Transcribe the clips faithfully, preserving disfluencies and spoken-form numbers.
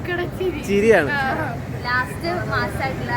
ചിരിയാണ്. ലാസ്റ്റ് മാസമായിട്ടുള്ള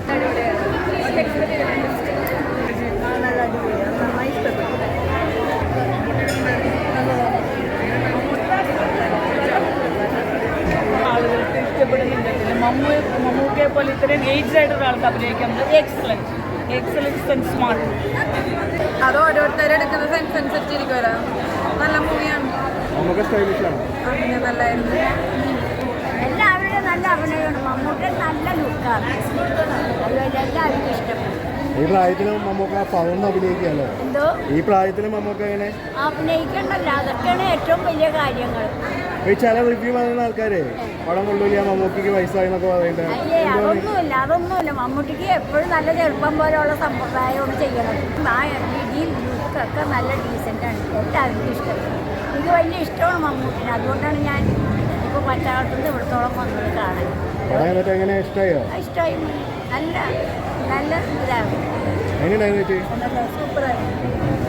ആളുകൾക്ക് ഇഷ്ടപ്പെടുന്നുണ്ട്. മമ്മൂ മമ്മൂക്കയെ പോലെ ഇത്രയും ഏജ്ഡ് ആയിട്ട് ഒരാൾക്ക് അഭിനയിക്കുന്നത് എക്സലൻസ് എക്സലൻസ് ആൻഡ് സ്മാർട്ട്. അത് ഓരോരുത്തരെടുക്കുന്ന സെൻസ് അനുസരിച്ചിരിക്കുമല്ലോ. നല്ല മൂവിയാണ്, അങ്ങനെ നല്ലായിരുന്നു. എല്ലാവരുടെയും നല്ല അഭിനയമാണ്. മമ്മൂട്ടി നല്ല ലുക്കാണ്, അതുപോലെ എല്ലാവർക്കും ഇഷ്ടപ്പെടും. ഈ പ്രായത്തിലും മമ്മൂക്ക പകർന്ന് അഭിനയിക്കുകയല്ലോ. എന്തോ ഈ പ്രായത്തിലും മമ്മൂക്ക എങ്ങനെ അഭിനയിക്കണ്ടല്ലോ, അതൊക്കെയാണ് ഏറ്റവും വലിയ കാര്യങ്ങൾ. ഈ ചില റിവ്യൂ പറയുന്ന ആൾക്കാരെ പടം കൊള്ളില്ല, മമ്മൂക്കിക്ക് വയസ്സായി എന്നൊക്കെ പറയുന്നത്. അയ്യേ, അതൊന്നുമില്ല അതൊന്നുമില്ല മമ്മൂട്ടിക്ക് എപ്പോഴും നല്ല ചെറുപ്പം പോലെയുള്ള സമ്പ്രദായമാണ് ചെയ്യണത്. ആ രീതിയിൽ ലുക്കൊക്കെ നല്ല ഡീസൻ്റാണ്, എല്ലാവർക്കും ഇഷ്ടപ്പെടും. എനിക്ക് വലിയ ഇഷ്ടമാണ് മമ്മൂട്ടിനെ, അതുകൊണ്ടാണ് ഞാൻ ഇപ്പോൾ പച്ചാളത്തുനിന്ന് ഇവിടത്തോളം വന്നത് കാണാൻ. എങ്ങനെ ഇഷ്ടമായോ? ഇഷ്ടമായി, നല്ല നല്ല ഇതാണ്. സൂപ്പറായിരുന്നു.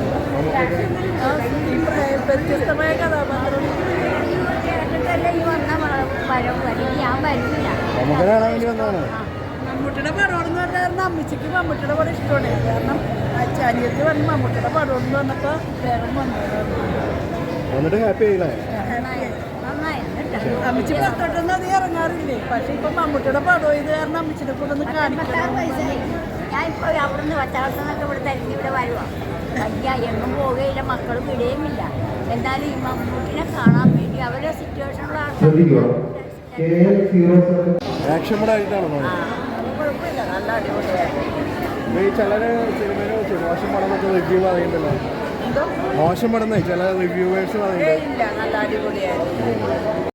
വ്യത്യസ്തമായ കഥാപാത്രം കേട്ടിട്ടല്ലേ ഈ വന്ന വരവ് വരും, ഞാൻ വരുന്നില്ല. മമ്മൂട്ടിയുടെ പടമെന്ന് പറഞ്ഞാൽ അമ്മച്ചിക്ക് മമ്മൂട്ടിയുടെ പടം ഇഷ്ടമാണ്. കാരണം അച്ചാനിയത്ത് പറഞ്ഞ് മമ്മൂട്ടിയുടെ പടം എന്ന് പറഞ്ഞപ്പോൾ വേഗം വന്നു. ഹാപ്പി ആയില്ലേ? അമ്മച്ചി പുറത്തോട്ടൊന്നും അത് ഇറങ്ങാറില്ലേ, പക്ഷെ ഇപ്പൊ മമ്മൂട്ടിയുടെ പടം ഇത് കാരണം അമ്മച്ചിനെ കൂടെ ഒന്ന് കാണിക്കാൻ. ഞാൻ ഇപ്പോൾ അവിടുന്ന് പച്ചാളത്തുനിന്നൊക്കെ ഇവിടെ തിരഞ്ഞ് ഇവിടെ വരുവാ. വലിയ എങ്ങും പോവുകയില്ല, മക്കളും വിടുകയുമില്ല. എന്നാലും ഈ മമ്മൂട്ടിനെ കാണാൻ വേണ്ടി അവരുടെ സിറ്റുവേഷനുള്ള ആക്ഷൻ പടമായിട്ടാണോ? കുഴപ്പമില്ല, നല്ല അടിപൊളിയായിരുന്നു. ഈ ചിലര് സിനിമയെ വെച്ച് മോശം പടം എന്നൊക്കെ റിവ്യൂ പറയുന്നുണ്ടല്ലോ. മോശം പടം ചില റിവ്യൂവേഴ്സ് പറയുന്നത്. ഇല്ല, നല്ല അടിപൊളിയായിരുന്നു.